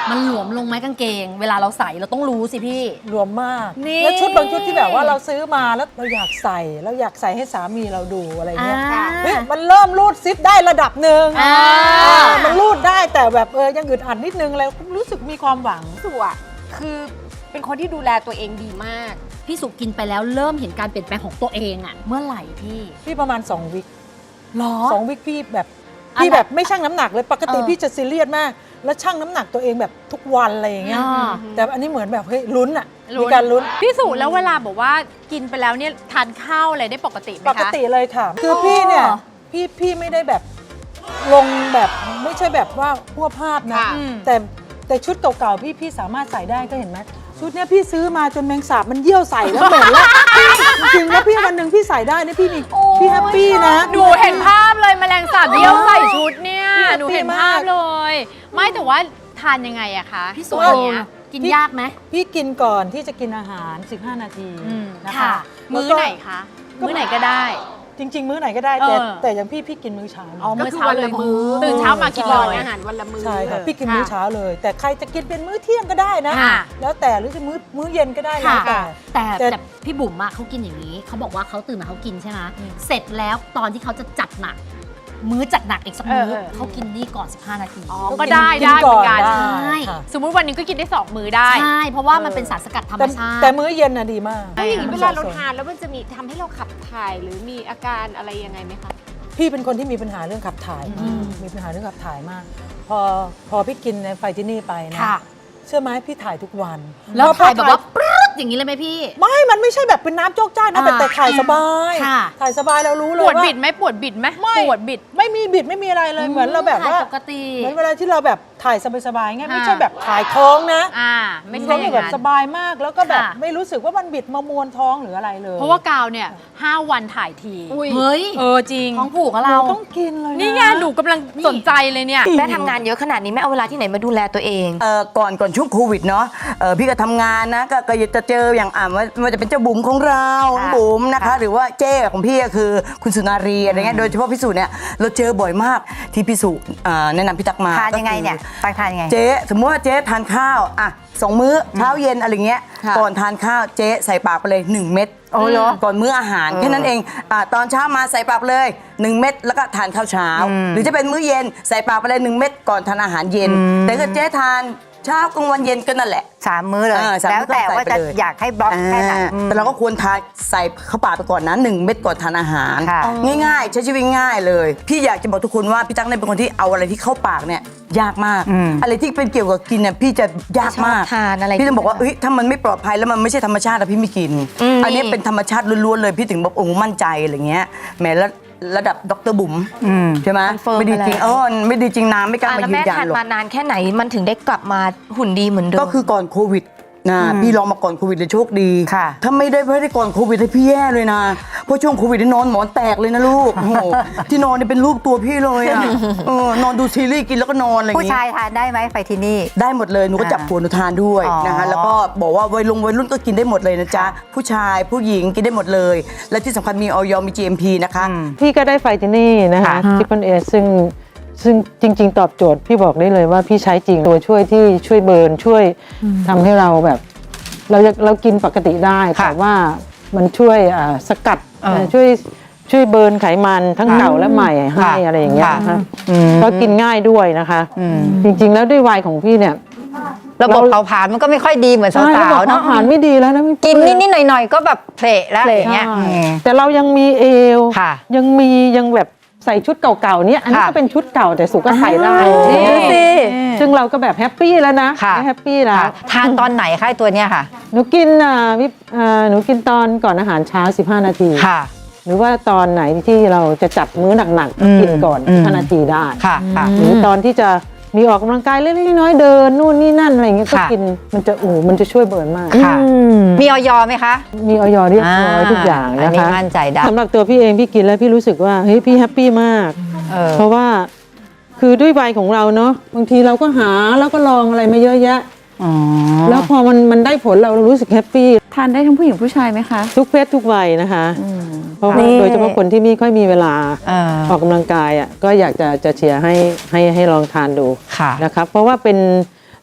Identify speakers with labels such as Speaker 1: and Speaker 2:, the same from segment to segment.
Speaker 1: มันหลวมลงไหมกางเกงเวลาเราใส่เราต้องรู้สิพี่
Speaker 2: รวมมาก
Speaker 1: นี่
Speaker 2: แล้วชุดบางชุดที่แบบว่าเราซื้อมาแล้วเราอยากใส่ให้สามีเราดูอะไรเงี้ยเฮ้ยมันเริ่มรูดซิปได้ระดับหนึ่งมันรูดได้แต่แบบยังอึดอัดนิดนึงแล้วรู้สึกมีความหวัง
Speaker 3: สุอะคือเป็นคนที่ดูแลตัวเองดีมาก
Speaker 1: พี่สุกินไปแล้วเริ่มเห็นการเปลี่ยนแปลงของตัวเองอะเมื่อไหร่พี่
Speaker 2: ประมาณ2 วิค
Speaker 1: หรอ
Speaker 2: 2 วิคพี่แบบไม่ชั่งน้ำหนักเลยปกติพี่จะซีเรียสมากแล้วชั่งน้ำหนักตัวเองแบบทุกวันอะไรอย่างเงี้ยแต่อันนี้เหมือนแบบเฮ้ยลุ้นอะมีการลุ้น
Speaker 4: พี่สุแล้วเวลาบอกว่ากินไปแล้วเนี่ยทานข้าวอะไรได้ปกติไหมคะ
Speaker 2: ปกติเลยค่ะคือพี่เนี่ยพี่ไม่ได้แบบลงแบบไม่ใช่แบบว่าพัวภาพนะแต่ชุดเก่าๆพี่สามารถใส่ได้ก็เห็นไหมชุดเนี้ยพี่ซื้อมาจนแมงสาบมันเยี่ยวใส่แล้วเหม็นแล้วจริงๆแล้วพี่วันหนึ่งพี่ใส่ได้นะพี่แฮปปี้นะ
Speaker 4: หนูเห็นภาพเลยแมลงสาบเยี่ยวใส่ชุดเนี่ยหนูเห็นภาพเลยไม่แต่ว่าทานยังไงอะคะ
Speaker 1: พี่สุเนี่ยกินยากไหม
Speaker 2: พี่กินก่อนที่จะกินอาหาร15 นาทีนะคะ
Speaker 4: มื้อไหนคะมื้อไหนก็ได้
Speaker 2: จริงๆมื้อไหนก็ได้แต่อย่างพี่กินมื้อเช้า
Speaker 4: มื้อเช้าเลยตื่นเช้ามากินเลย
Speaker 3: อาหารวันละมื้อ
Speaker 2: ใช่ค่ะพี่กินมื้อเช้าเลยแต่ใครจะกินเป็นมื้อเที่ยงก็ได้นะแล้วแต่หรือจะมื้อเย็นก็ได้แล้ว
Speaker 1: แต่พี่บุ๋มอะเขากินอย่างนี้เขาบอกว่าเขาตื่นมาเขากินใช่ไหมเสร็จแล้วตอนที่เขาจะจัดหนักมื้อจัดหนักอีกสักมื้อเขากินนี่ก่อน15 นาที
Speaker 4: ก็ได้เหมือนกัน
Speaker 1: ใช่
Speaker 4: สมมุติวันนึงก็กินได้2 มื้อได้
Speaker 1: ใช่เพราะว่ามันเป็นสารสกัดธรรมชาติ
Speaker 2: แต่มื้อเย็นน่ะดีมาก
Speaker 3: อย่างนี้เวลาเราทานแล้วมันจะมีทำให้เราขับถ่ายหรือมีอาการอะไรยังไงไหมคะ
Speaker 2: พี่เป็นคนที่มีปัญหาเรื่องขับถ่ายมีปัญหาเรื่องขับถ่ายมากพอพี่กินในไฟที่นี่ไปนะเชื่อไหมพี่ถ่ายทุกวัน
Speaker 1: แล้วถ่ายแบบว่าปรึ๊ดอย่างนี้เลยไหมพี่
Speaker 2: มันไม่ใช่แบบเป็นน้ำโจกจ้านะแต่ถ่ายสบายถ่ายสบายเรารู้เลยว่า
Speaker 4: ปวดบิดไหมปวดบิดไหมปวดบิด
Speaker 2: ไม่มีบิดไม่มีอะไรเลยเหมือนเราแบบว่า
Speaker 1: ปกติ
Speaker 2: เหมือนเวลาที่เราแบบถ่ายสบายๆไงไม่ใช่แบบถ่ายท้องนะ
Speaker 4: ไม่ใช่
Speaker 2: แบบสบายมากแล้วก็แบบไม่รู้สึกว่ามันบิดมามวนท้องหรืออะไรเลย
Speaker 4: เพราะว่ากาวเนี่ย5 วันถ่ายที
Speaker 1: เฮ้ย
Speaker 4: จริง
Speaker 1: ท้องผูกกับเรา
Speaker 2: ต้องกินเลย
Speaker 4: นี่ไงหนูกำลังสนใจเลยเนี่ย
Speaker 5: แม่ทำงานเยอะขนาดนี้แม่เอาเวลาที่ไหนมาดูแลตัวเอง
Speaker 6: ก่อนช่วงโควิดเนาะพี่ก็ทำงานนะก็จะเจออย่างว่าจะเป็นเจ้าบุ๋มของเราบุ๋มนะคะหรือว่าเจ้ของพี่ก็คือคุณสุนารีอะไรเงี้ยโดยเฉพาะพี่สุเนี่ยเราเจอบ่อยมากที่พี่สุแนะนำพี่ตักมา
Speaker 5: ทานยังไงเนี่ยตักทานยังไง
Speaker 6: เจ๊สมมติว่าเจ๊ทานข้าว2 มื้อเช้าเย็นอะไรเงี้ยก่อนทานข้าวเจ๊ใส่ปากไปเลย1 เม็ดก่อนมื้ออาหารแค่นั้นเองตอนเช้ามาใส่ปากเลย1 เม็ดแล้วก็ทานข้าวเช้าหรือจะเป็นมื้อเย็นใส่ปากไปเลย1 เม็ดก่อนทานอาหารเย็นแต่ถ้าเจ๊ทานเช้ากลางวันเย็นก็นั่นแหละ
Speaker 5: 3 มื้อเลยแล้วแต่ว่าจะอยากให้บล็อกแค่ไหน
Speaker 6: แต่เราก็ควรทานใส่เข้าปากไปก่อนนะ1 เม็ดก่อนทานอาหารง่ายๆใช้ชีวิตง่ายเลยพี่อยากจะบอกทุกคนว่าพี่ตั๊กเนี่ยเป็นคนที่เอาอะไรที่เข้าปากเนี่ยยากมากอะไรที่เป็นเกี่ยวกับกินเนี่ยพี่จะยากมากพี่จะบอกว่าถ้ามันไม่ปลอดภัยแล้วมันไม่ใช่ธรรมชาติพี่ไม่กินอันนี้เป็นธรรมชาติล้วนๆเลยพี่ถึงบอกโอ้มั่นใจอะไรเงี้ยแม้แล้วระดับดร.บุ๋มใช่ไหมไม่ดีจริงไม่ดีจริงน้ำไม่กล้ามายืนยันหรอก
Speaker 5: แล้วแม่ทานมานานแค่ไหนมันถึงได้กลับมาหุ่นดีเหมือนเดิม
Speaker 6: ก็คือก่อนโควิดนะพี่ลองมาก่อนโควิดเลยโชคดีถ้าไม่ได้ก่อนโควิดให้พี่แย่เลยนะเพราะช่วงโควิดนอนหมอนแตกเลยนะลูกโอ้โหที่นอนนี่เป็นรูปตัวพี่เลยอ่ะนอนดูซีรีส์กินแล้วก็นอนอะไรอย่าง
Speaker 5: งี้ผู้ชายทานได้ไหมไปที่นี่
Speaker 6: ได้หมดเลยหนูก็จับผัวหนูทานด้วยนะคะแล้วก็บอกว่าวัยรุ่นก็กินได้หมดเลยนะจ๊ะผู้ชายผู้หญิงกินได้หมดเลยและที่สำคัญมีออยมี GMP นะคะ
Speaker 2: พี่ก็ได้ไฟที่นี่นะคะที่เป็นซึ่งจริงๆตอบโจทย์พี่บอกได้เลยว่าพี่ใช้จริงตัวช่วยที่ช่วยเบิร์นช่วยทำให้เราแบบเรากินปกติได้แต่ว่ามันช่วยสกัดช่วยเบิร์นไขมันทั้งเก่าและใหม่ให้อะไรอย่างเงี้ยนะคะก็กินง่ายด้วยนะคะจริงๆแล้วด้วยวัยของพี่เนี่ย
Speaker 5: ระบบเผาผลาญมันก็ไม่ค่อยดีเหมือนสาวๆเนาะ
Speaker 2: เผาผลาญไม่ดีแล้วนะ
Speaker 5: กินนิดๆหน่อยๆก็แบบเพลแล้วอย่างเงี้ย
Speaker 2: แต่เรายังมีเอวยังแบบใส่ชุดเก่าๆเนี่ยอันนี้ก็เป็นชุดเก่าแต่สุก็ใส่ได้ซึ่งเราก็แบบแฮปปี้แล้วนะแฮปปี้แล้ว
Speaker 5: ทานตอนไหนคะตัวเนี้ยค่ะ
Speaker 2: หนูกินหนูกินตอนก่อนอาหารเช้า15 นาทีหรือว่าตอนไหนที่เราจะจัดมื้อหนักๆกินก่อน15 นาทีได้หรือตอนที่จะมีออกกำลังกายเล็กๆน้อยๆเดินนู่นนี่นั่นอะไรเงี้ยก็กินมันจะช่วยเบิร์นมาก
Speaker 5: มีออยไหมคะ
Speaker 2: มีออยเรียบร้อยทุกอย่างนะคะ
Speaker 5: มั่นใจได้
Speaker 2: สำหรับตัวพี่เองพี่กินแล้วพี่รู้สึกว่าเฮ้ยพี่แฮปปี้มากเพราะว่าคือด้วยวัยของเราเนาะบางทีเราก็หาแล้วก็ลองอะไรมาเยอะแยะแล้วพอมันได้ผลเรารู้สึกแฮปปี้
Speaker 7: ทานได้ทั้งผู้หญิงผู้ชายไหมคะ
Speaker 2: ทุกเพศทุกวัยนะคะเพราะโดยเฉพาะคนที่ไม่ค่อยมีเวลาออกกำลังกายก็อยากจะเชียร์ให้ลองทานดูนะครับเพราะว่าเป็น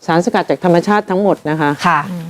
Speaker 2: สารสกัดจากธรรมชาติทั้งหมดนะคะ
Speaker 5: ค่ะ